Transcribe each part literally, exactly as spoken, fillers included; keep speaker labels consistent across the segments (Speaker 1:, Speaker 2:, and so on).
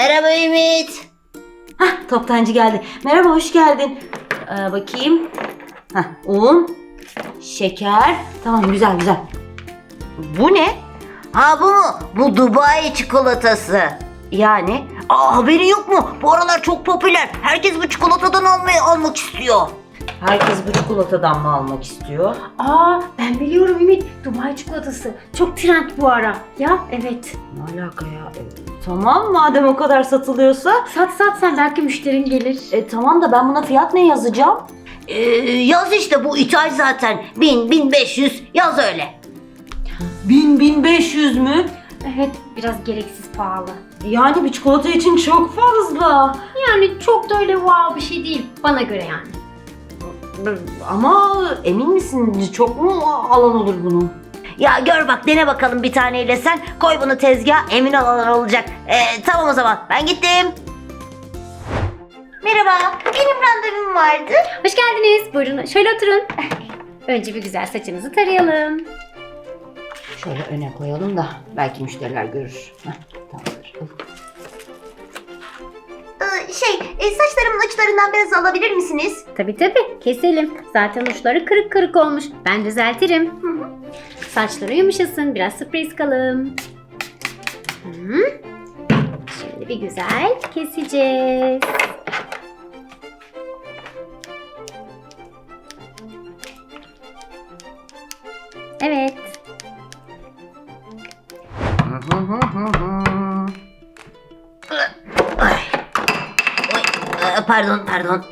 Speaker 1: Merhaba Ümit.
Speaker 2: Hah, toptancı geldi. Merhaba, hoş geldin. Ee, bakayım. Hah, un, şeker. Tamam, güzel güzel. Bu ne?
Speaker 1: Ha bu mu? Bu Dubai çikolatası.
Speaker 2: Yani
Speaker 1: Aa, haberin yok mu? Bu aralar çok popüler. Herkes bu çikolatadan almayı almak istiyor.
Speaker 2: herkes bu çikolatadan mı almak istiyor?
Speaker 3: Aa, ben biliyorum Ümit. Dubai çikolatası. Çok trend bu ara. Ya evet.
Speaker 2: Ne alaka ya? E, tamam, madem o kadar satılıyorsa.
Speaker 3: Sat sat sen, belki müşterin gelir.
Speaker 2: E, tamam da ben buna fiyat ne yazacağım?
Speaker 1: Ee, yaz işte, bu ithal zaten. Bin, bin beş yüz yaz öyle.
Speaker 2: Bin, bin beş yüz mü?
Speaker 3: Evet, biraz gereksiz pahalı.
Speaker 2: Yani bir çikolata için çok fazla.
Speaker 3: Yani çok da öyle wow bir şey değil. Bana göre yani.
Speaker 2: Ama emin misin? Çok mu alan olur bunun?
Speaker 1: Ya gör bak, dene bakalım bir taneyle sen. Koy bunu tezgaha, emin olan olacak. Ee, tamam o zaman, ben gittim. Merhaba, benim randevum vardı.
Speaker 3: Hoş geldiniz. Buyurun şöyle oturun. Önce bir güzel saçınızı tarayalım.
Speaker 2: Şöyle öne koyalım da belki müşteriler görür. Heh, tamamdır.
Speaker 1: Ee, şey, e, saçlarımın uçlarından biraz alabilir misiniz?
Speaker 3: Tabii tabii, keselim. Zaten uçları kırık kırık olmuş. Ben düzeltirim. Hı hı. Saçları yumuşasın. Biraz sprey sıkalım. Hı. Şimdi bir güzel keseceğiz. Evet.
Speaker 1: Ay. Oy, e, pardon, pardon.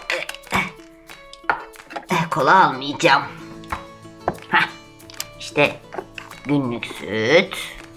Speaker 1: E, kola almayacağım. Heh, işte günlük süt. Evet.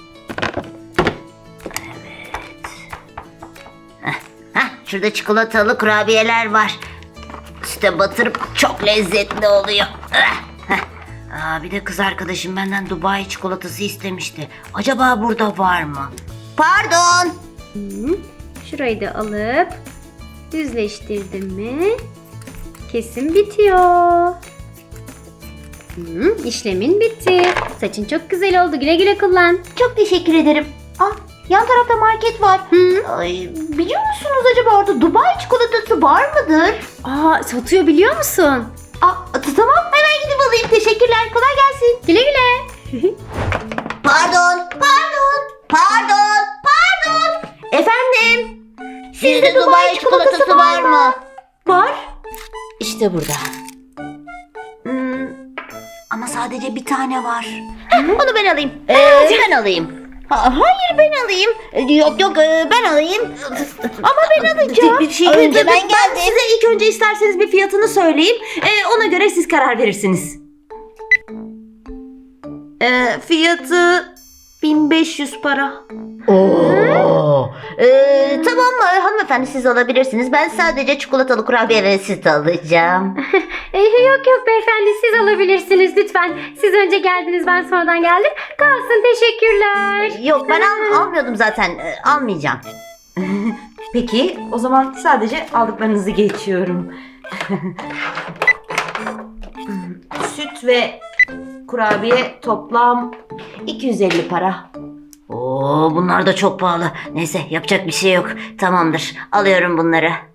Speaker 1: Heh, heh, şurada çikolatalı kurabiyeler var. Süte batırıp çok lezzetli oluyor. Eh, heh. Aa, bir de kız arkadaşım benden Dubai çikolatası istemişti. Acaba burada var mı? Pardon.
Speaker 3: Hı. Şurayı da alıp düzleştirdim mi kesim bitiyor. Hı, işlemin bitti. Saçın çok güzel oldu. Güle güle kullan.
Speaker 1: Çok teşekkür ederim. Ah, yan tarafta market var.
Speaker 3: Hı.
Speaker 1: Ay, biliyor musunuz acaba orada Dubai çikolatası var mıdır?
Speaker 3: Aa, satıyor biliyor musun?
Speaker 1: Aa, t- tamam, hemen gidip alayım. Teşekkürler. Kolay gelsin.
Speaker 3: Güle güle.
Speaker 1: Pardon, pardon, pardon, pardon.
Speaker 2: Efendim?
Speaker 1: Sizde Dubai çikolatası var mı?
Speaker 2: Var. İşte burada.
Speaker 1: Hmm, ama sadece bir tane var. Onu ben alayım.
Speaker 2: Ee?
Speaker 1: ben alayım. Ha, hayır, ben alayım. Ee, Yok yok, e, ben alayım. Ama ben alacağım.
Speaker 2: Bir şey
Speaker 1: Önce
Speaker 2: ben,
Speaker 1: ben geldim.
Speaker 2: size ilk önce isterseniz bir fiyatını söyleyeyim. Ee, ona göre siz karar verirsiniz. Ee, fiyatı bin beş yüz para.
Speaker 1: Oo. Ee, tamam mı hanımefendi, siz alabilirsiniz. Ben sadece çikolatalı kurabiye ve süt alacağım.
Speaker 3: Ee, yok yok beyefendi, siz alabilirsiniz lütfen. Siz önce geldiniz, ben sonradan geldim. Kalsın, teşekkürler.
Speaker 1: Yok, ben al, almıyordum zaten. Ee, almayacağım.
Speaker 2: Peki, o zaman sadece aldıklarınızı geçiyorum. Süt ve kurabiye toplam iki yüz elli para.
Speaker 1: Oo, bunlar da çok pahalı. Neyse, yapacak bir şey yok. Tamamdır, alıyorum bunları.